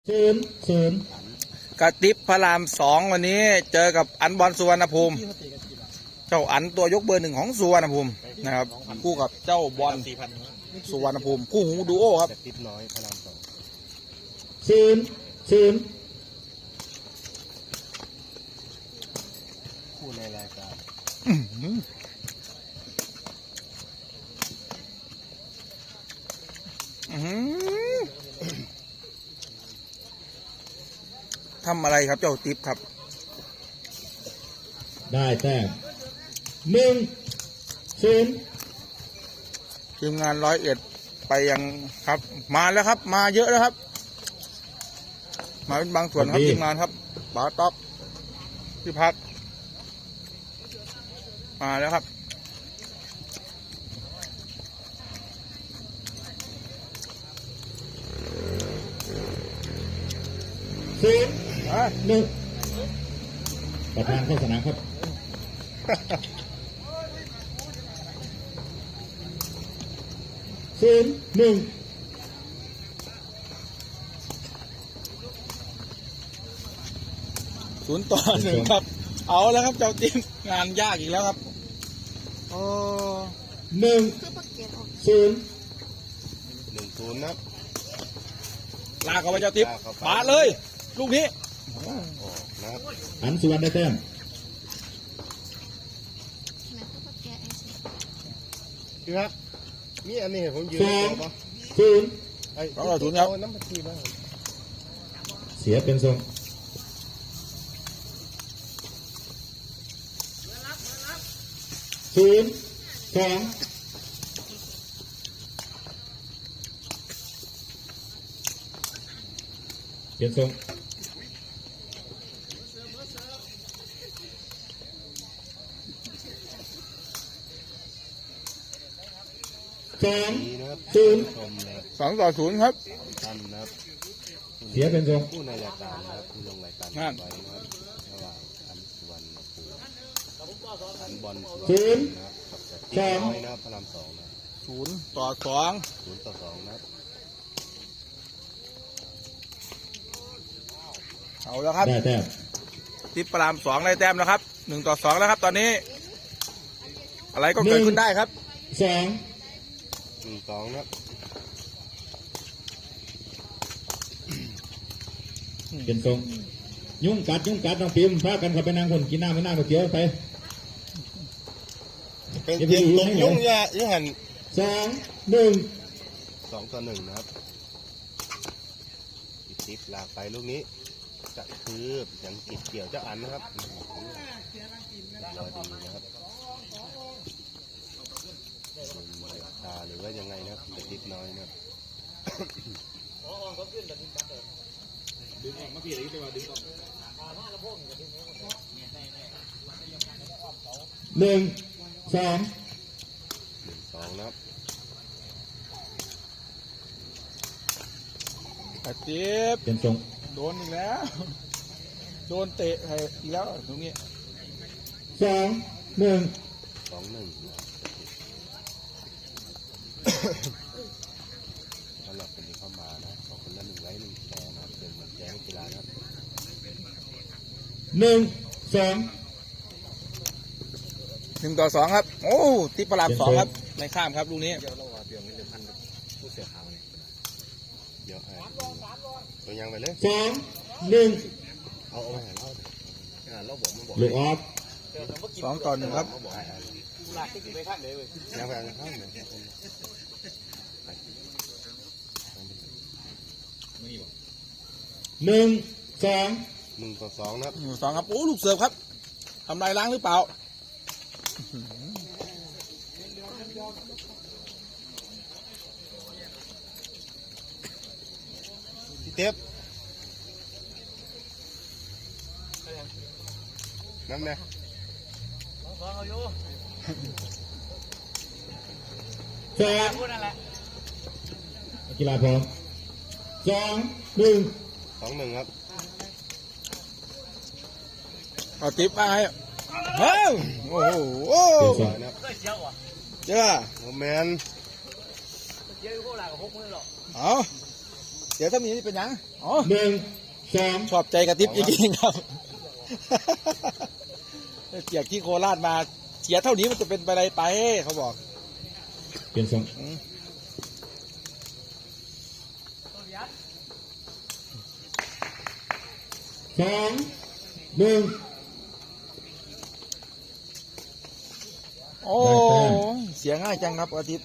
0-0 กระติบพระรามสองวันนี้เจอกับอันบอลสุวรรณภูมิเจ้าอันตัวยกเบอร์หนึ่งของสุวรรณภูมินะครับคู่กับเจ้าบอลสุวรรณภูมิคู่หูดูโอครับติดน้อยพระรามสอง 0-0 คู่ในรายการทำอะไรครับเจ้าติ๊บครับได้แต้ม1-0 ทีมงาน101ไปยังครับมาแล้วครับมาเยอะแล้วครับมาเป็นบางส่วนครับทีมงานครับบาต๊อกที่พักมาแล้วครับ 1ประธานเข้าสนามครับ0-1 0-1ครับเอาแล้วครับเจ้าติ๊บงานยากอีกแล้วครับโอ้ 1-0 1-0นะลากเข้าไปเจ้าติ๊บปาเลยลูกนี้นะครับอันสุวรรณได้แต้มพี่ครับมีอันนี้ผมยืนต่อปะ 0-0 ไอ้น้ำมันทีบ้างเสียเป็นทรง0-2เปลี่ยนทรง 2-0ครับท่านนะครับเสียเป็นทรงคู่ในรายการนะครับคู่ลงรายการไว้นะครับระหว่างอันสุวรรณภูมิอันบอลสุวรรณภูมินะครับกับน้อยนะครับพระรามสองนะ 0-2 0-2นะครับเอาแล้วครับได้แต้มติ๊บพระรามสองได้แต้มแล้วครับ1-2แล้วครับตอนนี้อะไรก็เกิดขึ้นได้ครับ 1-2นะครับเป็นทรงยุ่งกัดน้องพิมพ์พากันเข้าไปนั่งคนกินน้ำไม่นั่งก๋วยเตี๋ยวไปเป็นเพียงตรงยุ่งยากหัน 2-1 2-1นะครับติ๊บลากไปลูกนี้จะคือยังติดเกี่ยวเจ้าอันนะครับรอดีนะครับตาหรือว่ายังไงนะครับจะติดน้อยนะครับ 1-2 1-2นะครับกระติบเป็นทรงโดนอีกแล้วโดนเตะอีกแล้วตรงนี้ 2-1 สำหรับคนที่เข้ามานะขอคนละ1 ไลค์ 1 แชร์นะครับเป็นเหมือนแจ้งกีฬานะครับ 1-2 ครับโอ้ติ๊บพระรามสองครับในข้ามครับลูกนี้เดี๋ยวเราเปลี่ยนเป็นพันผู้เสียขาวเนี่ยเดี๋ยวตัวยังไปเลย 2-1 เอาไปหาเราบอกมันบอกลูกออฟ 2-1ครับยังไปข้างไหน1-2นะครับ 2ครับโอ้ลูกเสิร์ฟครับทำลายล้างหรือเปล่าพี่เท็บน้ำเนี่ยกีฬาพร้อม2-1 ครับเอาติ๊บมาให้เฮ้ยโอ้โหเจ้าโมเมนต์เอาสียเท่านี้เป็นยังอ๋อหนึ่งสองชอบใจกระติบจริงๆครับเกียกที่โคราชมาเสียเท่านี้มันจะเป็นไปอะไรไปเขาบอกเปลี่ยนทรงสองหนึ่งโอ้เสียง่ายจังครับอาทิตย์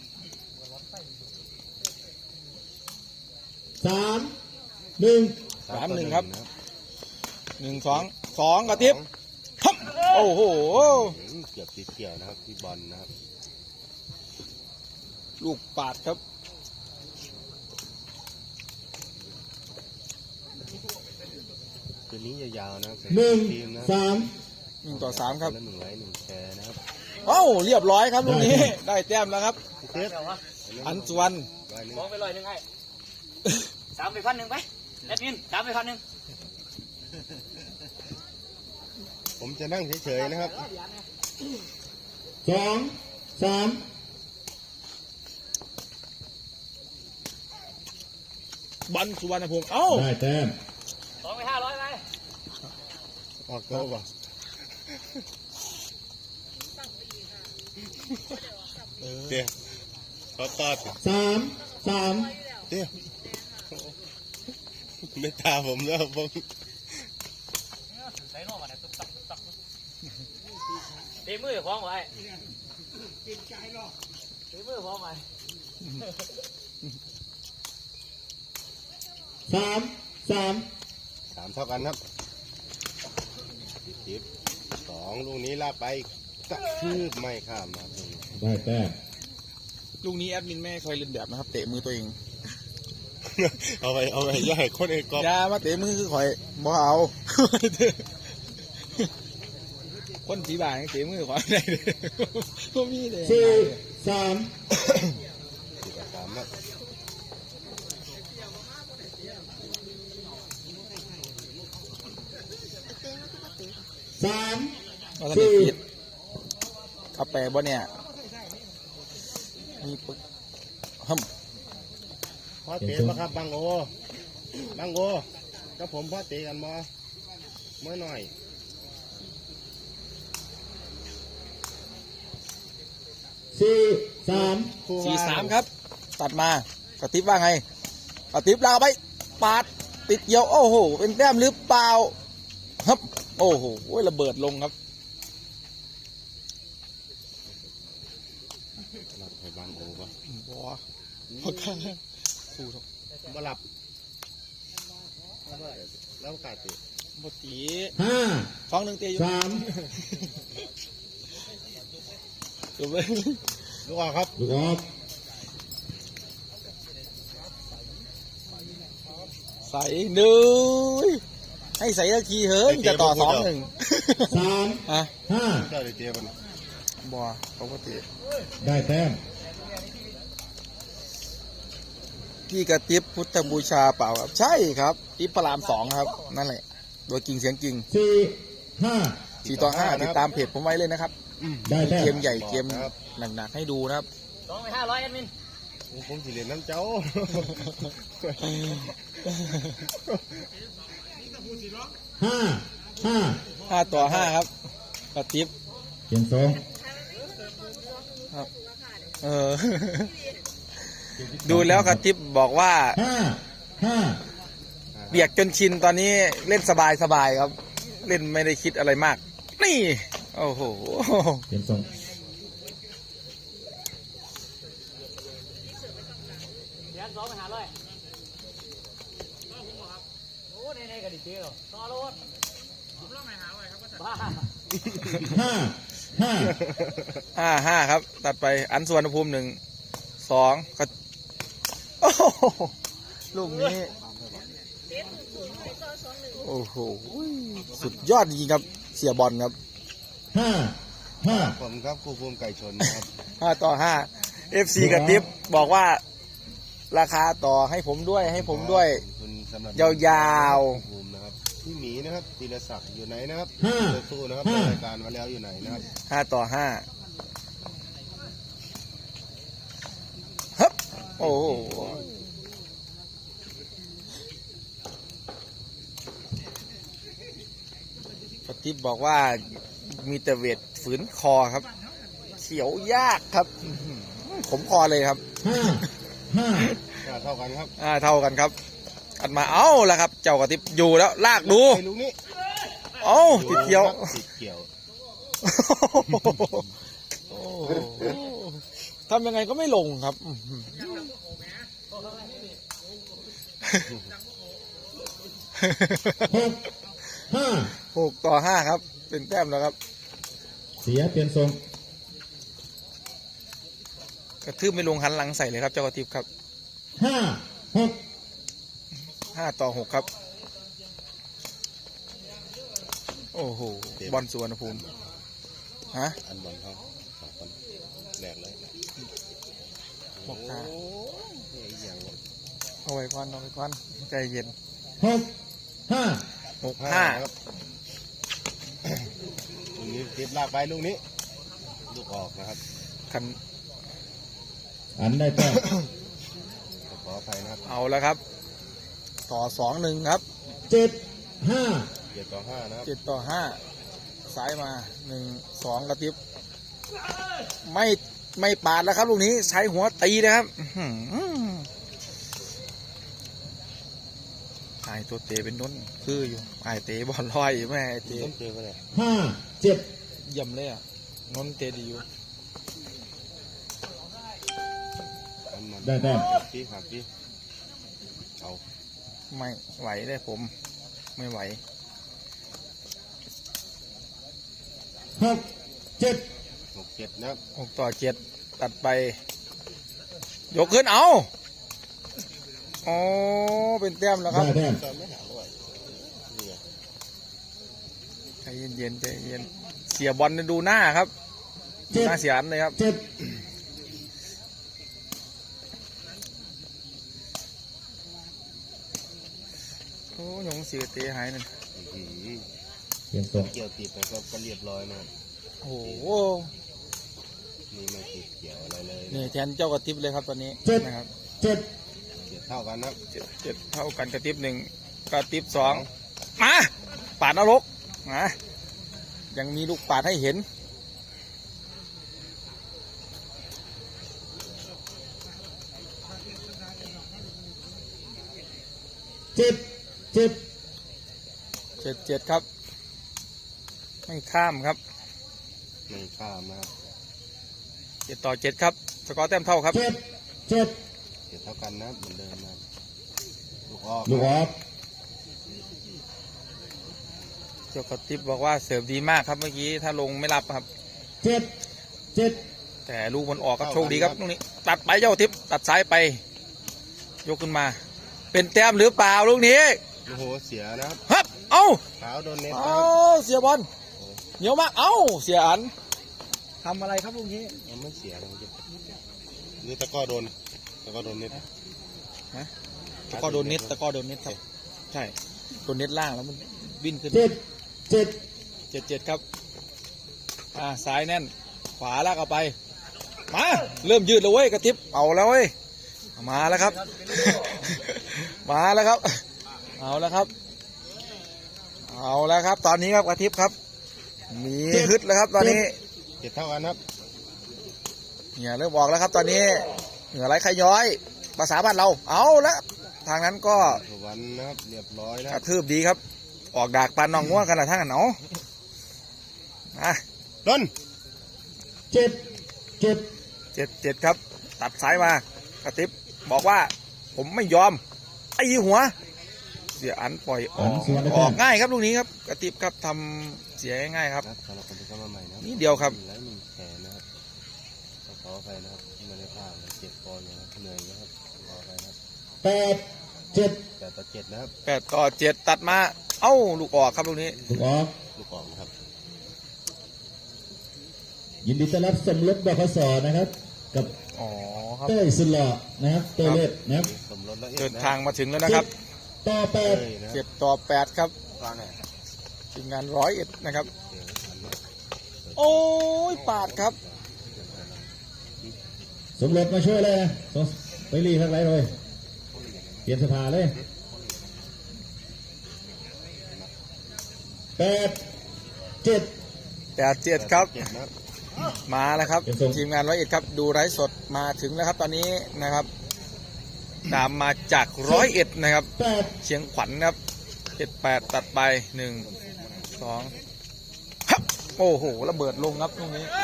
สามหนึ่ง 3-1 ครับ1-2 กระติบฮับโอ้โหเกือบติดเกี่ยวนะครับที่บอลนะครับลูกปาดครับคืนนี้ยาวๆนะครับหนึ่งทีมนะสาม 1-3 ครับละ1 ไลค์ 1 แชร์นะครับเอ้าเรียบร้อยครับลูกนี้ได้แต้มแล้วครับเซ็ตอันสุวรรณร้อยหนึ่งมองไป100ไอ้3 ไป 1,000ไปแอดมิน3 ไป 1,000 ผมจะนั่งเฉยๆนะครับสองสามบอลสุวรรณภูมิเอ้าได้แต้ม 2 ไป 500ไปออกโต๊ะป่ะเดี๋ยวเขาตอดสามสามเดี๋ยวไม่ตาผมแล้วผมใส่นอกมาเนี่ยตักตีมือพร้อมไว้ตีมือพร้อมไว้สามสาม 3 เท่ากันครับติด2 ลูกนี้ลากไปกระชืบไม่ข้ามนะครับได้แต้มลูกนี้แอดมินไม่เคยเล่นแบบนะครับ เตะมือตัวเองเอาไปย่อยคนเอกกอบอย่ามาเตะมือคือข่อยบ่เอา คนสีบางเตะมือข่อยได้เลยก็มีเลยสี่สาม 3ครับสามเราทำผิดเอาแปะบ่เนี่ยมีปึ๊กฮัมพ่อเตะมาครับบังโอกับผมพ่อเตะกันมาเมื่อหน่อยสี่สาม 4-3 ครับ ตัดมากระติบว่าไงกระติบลากไปปาดติดเกี่ยวโอ้โหเป็นแต้มหรือเปล่าครับโอ้โหระเบิดลงครับหลับไปบังโอปะบัวพอกันคู่ทมาหลับแล้วกาดเตะบตีห้า 2-1เตะอยู่สามจบเลยลูกออกครับลูกออกใส่หนึ่งให้ใส่ตะทีเฮ้ยจะต่อ2-1 สามอ่ะห้าเจ้าเตะมันบัวเขาก็เตะได้แต้มพี่กระติบพุทธบูชาเปล่าครับใช่ครับติบพระราม2ครับนั่นแหละโดยกิ่งเสียงกิ่งสี่ห้า 4-5ติดตามเพจผมไว้เลยนะครับได้แต้เกมมใหญ่เกมหนักๆให้ดูนะครับ 2 ไป 500แอดมินผมสิเรียนน้ำเจ้าห้าห้า 5-5ครับกระติบเปลี่ยนทรงครับดูแล้วกระติบบอกว่าห้าห้าเบียกจนชินตอนนี้เล่นสบายครับ เล่นไม่ได้คิดอะไรมาก นี่โอ้โหเปลี่ยนทรงเดี๋ยว2 ไป 500โอ้ในๆกันดิเจ้าต่อรถผมเล่าไม่500ครับบ้าห้าห้า 5-5ครับ ตัดไปอันสุวรรณภูมิ1-2ก็โอ้โหลูกนี้โอ้โหสุดยอดจริงๆครับเสียบอลครับห้าห้าผมครับครูภูมิไก่ชนนะครับ 5-5 FC กระติบบอกว่าราคาต่อให้ผมด้วยให้ผมด้วยคุณสำหรับยาวครูภูมินะครับพี่หมีนะครับธีรศักดิ์อยู่ไหนนะครับห้าสู้นะครับรายการมาแล้วอยู่ไหนนะครับ 5-5ฮึบโอ้โหทิพย์บอกว่ามีแต่เวทฝืนคอครับเขียวยากครับผมคอเลยครับห้าเท่ากันครับเท่ากันครับอันมาเอาละครับ เจ้ากระติบอยู่แล้วลากดูไอ้ลูกนี้เอาติดเกี่ยวติดเกี่ยวโอ้โหทำยังไงก็ไม่ลงครับหกห้า 6-5ครับเป็นแต้มแล้วครับเสียเปลี่ยนทรงกระทืบไม่ลงหันหลังใส่เลยครับเจ้ากระติบครับ 5-6 5-6ครับโอ้โหบอลสุวรรณภูมิฮะอันบอลเขา2 คนแหลกเลยบอกโอ้ตายอย่างเอาไว้ก่อนใจเย็น 6-5 6-5 ครับลูกนี้ติดลากไปลูกนี้ลูกออกนะครับคันอันได้แต้มขออภัยนะครับเอาแล้วครับ ต่อ 2-1 ครับ 7-5 7-5นะครับ 7-5ซ้ายมา1-2กระติบไม่ปาดแล้วครับลูกนี้ใช้หัวตีนะครับไอ้ตัวเตะเป็นน้นคืออยู่ไอ้เตะบอลลอยแม่ไอ้เตะต้องเจอไปเลย 5-7 เยี่ยมเลยอ่ะน้นเตะดีอยู่อันมันได้แต้มหักที่เอาไม่ไหวเลยผมไม่ไหว 6-7 6-7นะครับ 6-7ตัดไป ยกขึ้นเอาอ๋อเป็นแต้มแล้วครับได้แต้มตอนไม่หาด้วยนี่ไงใจเย็นใจเย็นเสียบอลดูหน้าครับหน้าเสียอันเลยครับ 7 โอ้ยงเสียเตะหายหนึ่งอื้อหือเปลี่ยนทรงเกี่ยวติดนะครับก็เรียบร้อยนะครับโอ้โหนี่ไม่ติดเกี่ยวอะไรเลยนี่แทนเจ้ากระติบเลยครับตอนนี้ 7 นะครับ 7 เกี่ยวเท่ากันนะครับเจ็ดเท่ากันกระติบ1กระติบ2มาปาดนรกนะยังมีลูกปาดให้เห็น 7 7-7ครับไม่ข้ามครับไม่ข้ามนะครับ 7-7ครับสกอร์แต้มเท่าครับ 7 7 เกี่ยวเท่ากันนะครับเหมือนเดิมนะครับลูกออกลูกออกเจ้ากระติบบอกว่าเสิร์ฟดีมากครับเมื่อกี้ถ้าลงไม่รับครับ 7 7 แต่ลูกมันออกครับโชคดีครับตรงนี้ ตัดไปเจ้ากระติบตัดซ้ายไป ยกขึ้นมา เป็นแต้มหรือเปล่าลูกนี้โอ้โหเสียนะครับฮับเอ้าเท้าโดนเน็ตนะเอ้าครับเสียบอลเหนียวมากเอ้าเสียอันทำอะไรครับลูกนี้มันไม่เสียนะนี่ตะก้อโดนเน็ตตะกร้อโดนเน็ตครับใช่โดนเน็ตล่างแล้วมันวิ่นขึ้น 7 7-7ครับซ้ายแน่นขวาลากเอาไปมาเริ่มยืดแล้วเว้ยกระติบเอาแล้วเว้ยมาแล้วครับ มาแล้วครับเอาแล้วครับเอาแล้วครับ ตอนนี้ครับกระติบครับ มีฮึดแล้วครับตอนนี้เจ็ดเท่ากันครับเหงื่อเริ่มออกแล้วครับ ตอนนี้เหงื่อไหลใครย้อยภาษาบ้านเราเอาแล้วทางนั้นก็สุวรรณนะครับเรียบร้อยนะกครัระบทืบดีครับ ออกดากปานนองง่วงขนาดทั้งกันเนาะโดน 7 7-7ครับ ตัดสายมากระติบบอกว่าผมไม่ยอมไอ้หัว เสียอันปล่อยออกสวนได้อแต้อกมง่ายครับลูกนี้ครับกระติบครับทำเสียง่ายๆครับสำหรับคนที่เข้ามาใหม่นะนิดเดียวครับและมีแขนนะครับขออภัยนะครับที่ไม่ได้พลาดเลยเจ็บคออยู่นะครับเหนื่อยนะครับขออภัยนะครับ 8 7 8-7นะครับ 8-7ตัดมาเอ้าลูกออกครับลูกนี้ลูกออกลูกออกนะครับยินดีต้อนรับสมรสบขสนะครับ กับอ๋อครับเต้ยสุดหล่อนะครับเต้ยเล็ดนะครับสมรสละเอียดเดินนะทางมาถึงแล้วนะครับ 10 ต่อเอ้ย 8 นะ 7-8ครับฟังหน่อยทีมงาน101นะครับเดี๋ยวทันนะโอ้ยปาดครับสมรสมาช่วยเลยนะไปรีข้างไรเลยเปลี่ยนสภาเลย 8 7 87ครับ 7นะครับมาแล้วครับเป็นทรงทีมงาน101ครับดูไลฟ์สดมาถึงแล้วครับตอนนี้นะครับตามมาจาก101นะครับ 8 เชียงขวัญครับ78ตัดไป1 2ฮับโอ้โหระเบิดลงครับตรงนี้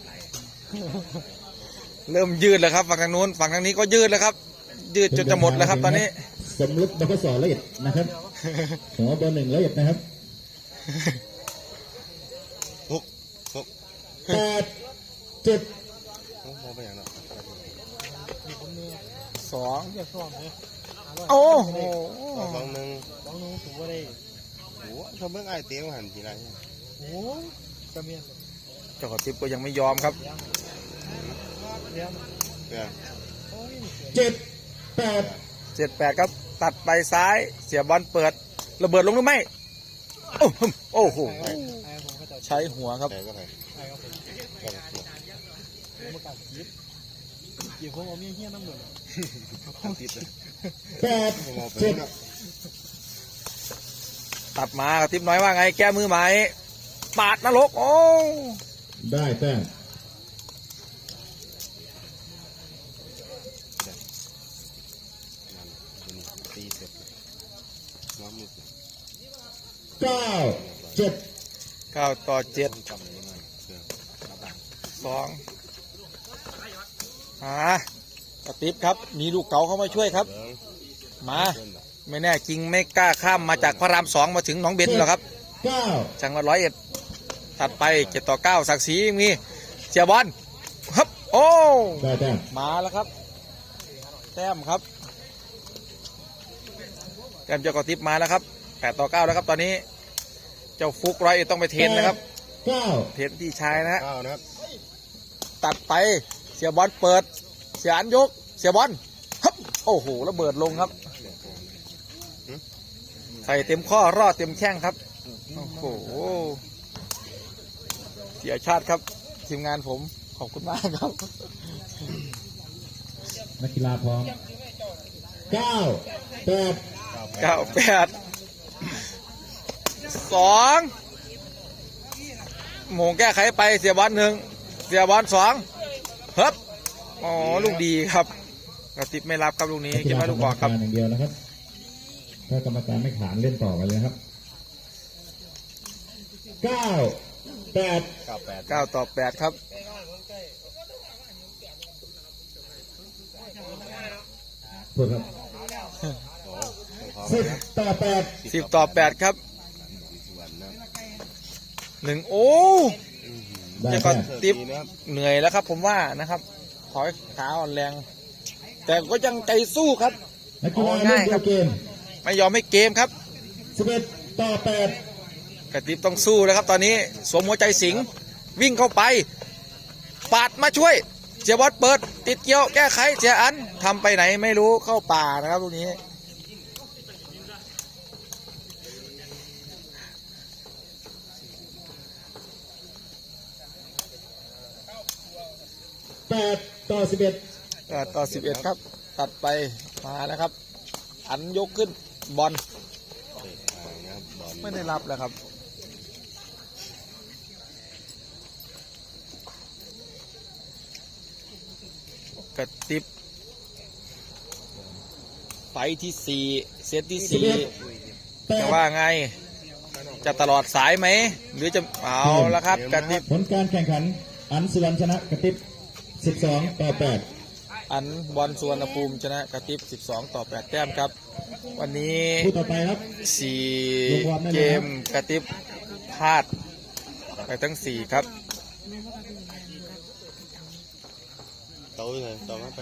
เริ่มยืดแล้วครับฝั่งทางนู้นฝั่งทางนี้ก็ยืดแล้วครับ ยืดจนจะหมดแล้วครับตอนนี้สมฤทธิ์บกสละเอียดนะครับหัวเบอร์ 1ละเอียดนะครับ 6 8 7 มองไปอย่างนั้น 2 เรียกซ้อมเลยโอ้โห 2 1 น้องถูกว่าได้โอ้ชมเบิ่งไอ้เตี้ยหันทีไรโอ้กระเมียนเจ้ากระติบก็ยังไม่ยอมครับเลี้ยงเนี่ยโอ้ย 7 8 78ครับตัดไปซ้ายเสียบอลเปิดระเบิดลงหรือไม่โอ้โหไอ้ผมก็จะใช้หัวครับแต่ก็ไปไอ้ครับผมก็ไปผมประกาศยิบกี่คนเอาเมียเฮี้ยน้ำเหมือนติดเลย 8 มองไป 7 เนาะตัดมากระติบน้อยว่าไงแก้มือไหมปาดนรกโอ้ได้แต้มตีเสร็จน้องมือ 9 7 9 ต่อ 7 จำได้ไหมเชื่อ 2กระติบครับมีลูกเก๋าเข้ามาช่วยครับเบิ้งมาเบิ้งแบบไม่แน่จริงไม่กล้าข้ามมาจากพระราม2มาถึงหนองเบนหรอกครับ 9 จังหวัด101ตัดไป7 ต่อ 9ศักดิ์ศรียังมีเสียบอลครับ โอ้ได้แต้มมาแล้วครับ แต้มครับแต้มเจ้ากอติบมาแล้วครับ8 ต่อ 9แล้วครับตอนนี้เจ้าฟุก101ต้องไปเทรนนะครับ 9 เทรนพี่ชายนะฮะ 9นะครับตัดไปเสียบอลเปิดเสียอันยกเสียบอลครับโอ้โหระเบิดลงครับใส่เต็มข้อรอดเต็มแข้งครับโอ้โหเสียชาติครับทีมงานผมขอบคุณมากครับนักกีฬาพร้อม 9 8 2โมงแก้ไขไปเสียบอล1เสียบอล2ครับอ๋อลูกดีครับกระติบไม่รับครับลูกนี้นักกีคิดฬาว่าลูกบอกครับอย่างเดียวนะครับ ถ้ากรรมการไม่ขานเล่นต่อไปเลยครับ 9 8 98 9 ต่อ 8 ครับพูดครับโอ้ต้องขอ 10 ต่อ 8 10 ต่อ 8 ครับวันนะ 1โอ้ได้เดี๋ยวก่แต้อนมติ๊บดีนะครับเหนื่อยแล้วครับผมว่านะครับถอยขาอ่อนแรง แต่ก็ยังใจสู้ครับนักกีฬาง่ายเล่นครัเดีบยวเกมไม่ยอมให้เกมครับ 11 ต่อ 8 กระติบต้องสู้แล้วครับตอนนี้สวมหัวใจสิงห์วิ่งเข้าไป ปาดมาช่วยเสียบอลเปิด ติดเกี่ยวแก้ไขเสียอันทำไปไหนไม่รู้เข้าป่านะครับลูกนี้ 8 ต่อ 11 ก็ต่อ 11 ครับ ตัดไปมานะครับ อันยกขึ้นบอลเตะทางนะครับบอลไม่ได้รับแล้วครับ กระติบไฟที่ 4 เซตที่ 4 จะว่าไง จะตลอดสายไหม หรือจะเอาละครับกระติบผลการแข่งขัน อันสุวรรณชนะกระติบ 12 ต่อ 8 อันบอลสุวรรณภูมิชนะกระติบ 12 ต่อ 8 แต้มครับ วันนี้คู่ต่อไปครับ 4 เกมกระติบพลาดไปทั้ง 4 ครับ tối rồi, tối